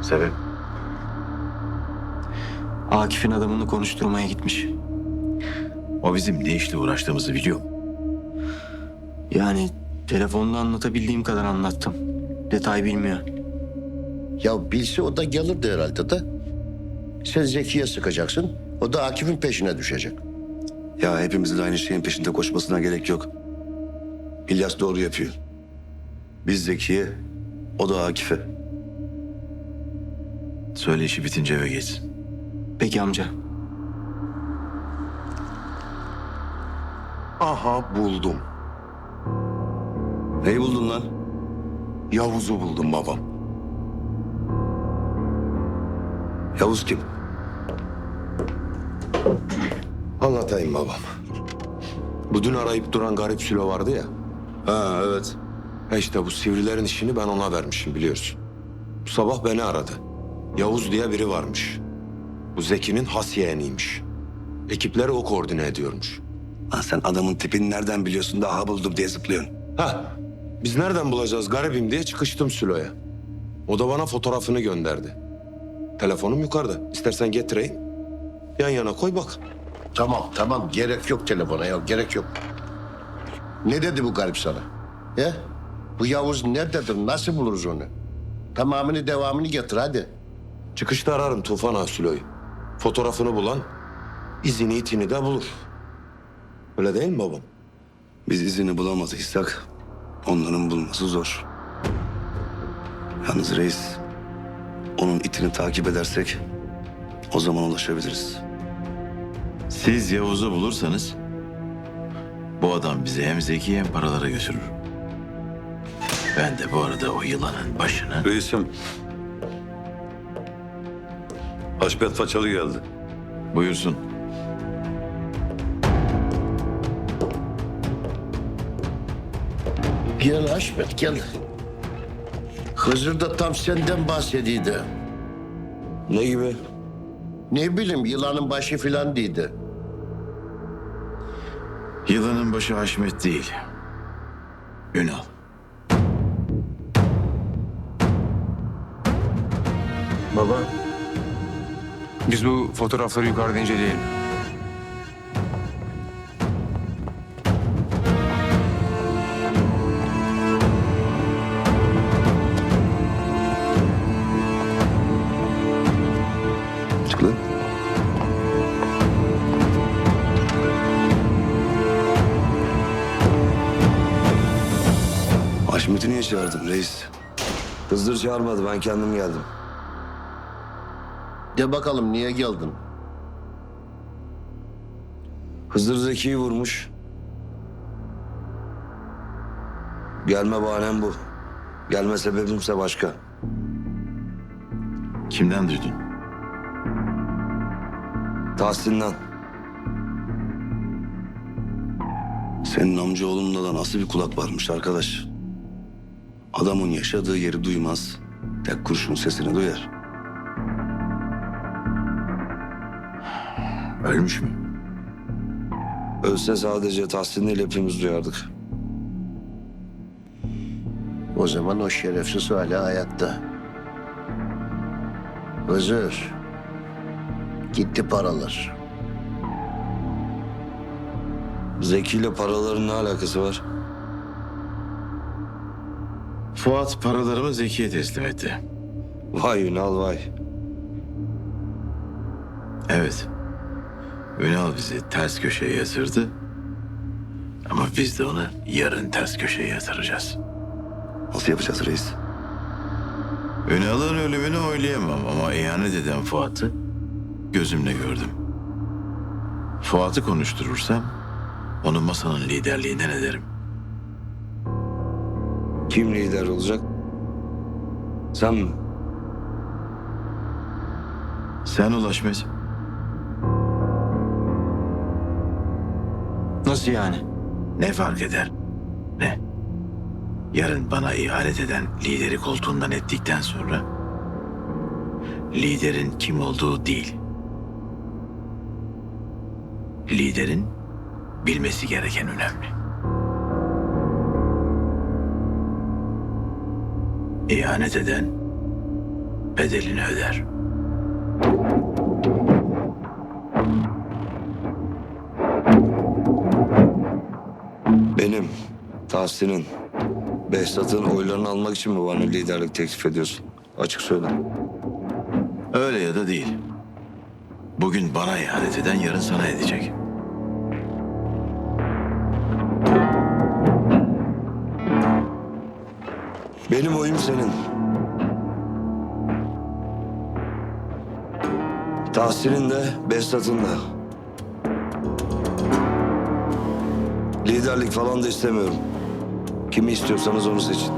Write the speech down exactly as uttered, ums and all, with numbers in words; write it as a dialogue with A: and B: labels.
A: Sebep?
B: Akif'in adamını konuşturmaya gitmiş.
A: O bizim ne işle uğraştığımızı biliyor mu?
B: Yani telefonda anlatabildiğim kadar anlattım. Detay bilmiyor.
C: Ya bilse o da gelirdi herhalde de. Sen Zeki'ye sıkacaksın. O da Akif'in peşine düşecek.
D: Ya hepimizin aynı şeyin peşinde koşmasına gerek yok. İlyas doğru yapıyor. Biz Zeki'ye, o da Akif'e.
A: Söyle işi bitince eve geçsin.
B: Peki amca.
E: Aha buldum.
D: Neyi buldun lan?
E: Yavuz'u buldum babam.
D: Yavuz kim?
E: Anlatayım babam. Bu dün arayıp duran garip Sülo vardı ya.
D: Ha evet.
E: Ha işte bu sivrilerin işini ben ona vermişim biliyorsun. Bu sabah beni aradı. Yavuz diye biri varmış. Bu Zeki'nin has yeğeniymiş. Ekipleri o koordine ediyormuş.
D: Lan sen adamın tipini nereden biliyorsun da aha buldum diye zıplıyorsun.
E: Ha, biz nereden bulacağız garibim diye çıkıştım Sülo'ya. O da bana fotoğrafını gönderdi. Telefonum yukarıda. İstersen getireyim. Yan yana koy bak.
C: Tamam tamam gerek yok telefona ya gerek yok. Ne dedi bu garip sana? Ya? Bu Yavuz nerededir? Nasıl buluruz onu? Tamamını devamını getir hadi.
E: Çıkışta ararım Tufan Ağa Sülo'yu. Fotoğrafını bulan izini itini de bulur. Öyle değil mi babam?
D: Biz izini bulamadıysak onların bulması zor. Yalnız reis, onun itini takip edersek o zaman ulaşabiliriz.
A: Siz Yavuz'u bulursanız bu adam bizi hem Zeki hem paralara götürür. Ben de bu arada o yılanın başını...
F: Reisim. Haşmet Façalı geldi.
A: Buyursun.
C: Gel Haşmet gel. Hızır da tam senden bahsediydi.
E: Ne gibi?
C: Ne bileyim yılanın başı filan değildi.
A: Yılanın başı Haşmet değil. Ünal.
G: Baba, biz bu fotoğrafları yukarıda inceleyelim.
D: Çık lan. Haşmet'i niye çağırdın reis?
H: Hızır çağırmadı, ben kendim geldim.
C: De bakalım niye geldin?
H: Hızır Zeki'yi vurmuş. Gelme bahanem bu. Gelme sebebimse başka.
A: Kimden duydun?
H: Tahsin'den.
D: Senin amcaoğlunda da nasıl bir kulak varmış arkadaş? Adamın yaşadığı yeri duymaz, tek kurşun sesini duyar.
A: Ölmüş mü?
H: Ölse sadece Tahsin ile hepimiz duyardık.
C: O zaman o şerefsiz hala hayatta. Hızır. Gitti paralar.
H: Zeki ile paraların ne alakası var?
A: Fuat paralarımı Zeki'ye teslim etti.
H: Vay Ünal vay.
A: Evet. Ünal bizi ters köşeye yatırdı. Ama biz de onu yarın ters köşeye yatıracağız.
D: Nasıl yapacağız reis?
A: Ünal'ın ölümünü oylayamam ama ihanet eden Fuat'ı gözümle gördüm. Fuat'ı konuşturursam onu masanın liderliğinden ederim.
H: Kim lider olacak? Sen mi?
A: Sen ulaşmaz.
B: Nasıl yani?
A: Ne fark eder? Ne? Yarın bana ihanet eden lideri koltuğundan ettikten sonra liderin kim olduğu değil, liderin bilmesi gereken önemli. İhanet eden bedelini öder.
D: Benim, Tahsin'in, Behzat'ın oylarını almak için mi bana liderlik teklif ediyorsun? Açık söyle.
A: Öyle ya da değil. Bugün bana ihanet eden yarın sana edecek.
D: Benim oyum senin. Tahsin'in de, Behzat'ın da. Liderlik falan da istemiyorum. Kimi istiyorsanız onu seçin.